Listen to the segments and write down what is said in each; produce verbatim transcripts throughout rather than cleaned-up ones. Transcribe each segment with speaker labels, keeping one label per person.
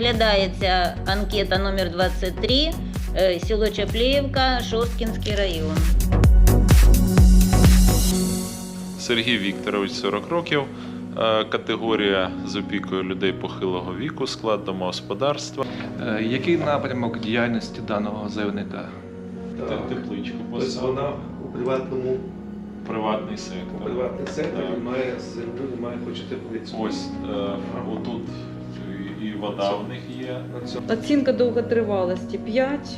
Speaker 1: Розглядається анкета номер двадцять три, село Чапліївка, Шосткінський район.
Speaker 2: Сергій Вікторович, сорок років, категорія з опікою людей похилого віку, склад домогосподарства.
Speaker 3: Який напрямок діяльності даного заявника?
Speaker 2: Тепличку
Speaker 4: Тобто вона у приватному
Speaker 2: приватний сектор.
Speaker 4: приватний сектор
Speaker 2: Так.
Speaker 4: і має землю, і має хоче теплицю.
Speaker 2: Ось е, отут і- і вода в них є.
Speaker 4: На цьому.
Speaker 5: Оцінка довготривалості п'ять.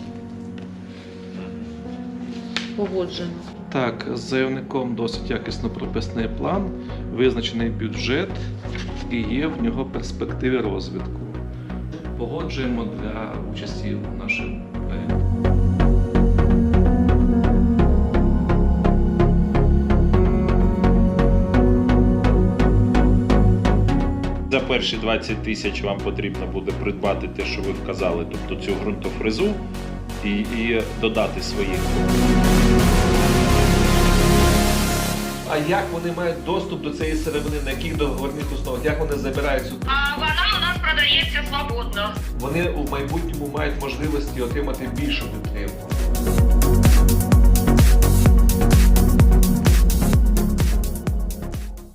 Speaker 5: Погоджено.
Speaker 3: Так, з заявником досить якісно прописаний план, визначений бюджет і є в нього перспективи розвитку. Погоджуємо для участі в нашому проєкті.
Speaker 2: За перші двадцять тисяч вам потрібно буде придбати те, що ви вказали, тобто цю ґрунтофрезу і, і додати своїх.
Speaker 6: А як вони мають доступ до цієї сировини, на яких договірних основах, як вони забирають цю...
Speaker 7: А вона у нас продається свободно.
Speaker 6: Вони у майбутньому мають можливості отримати більшу підтримку.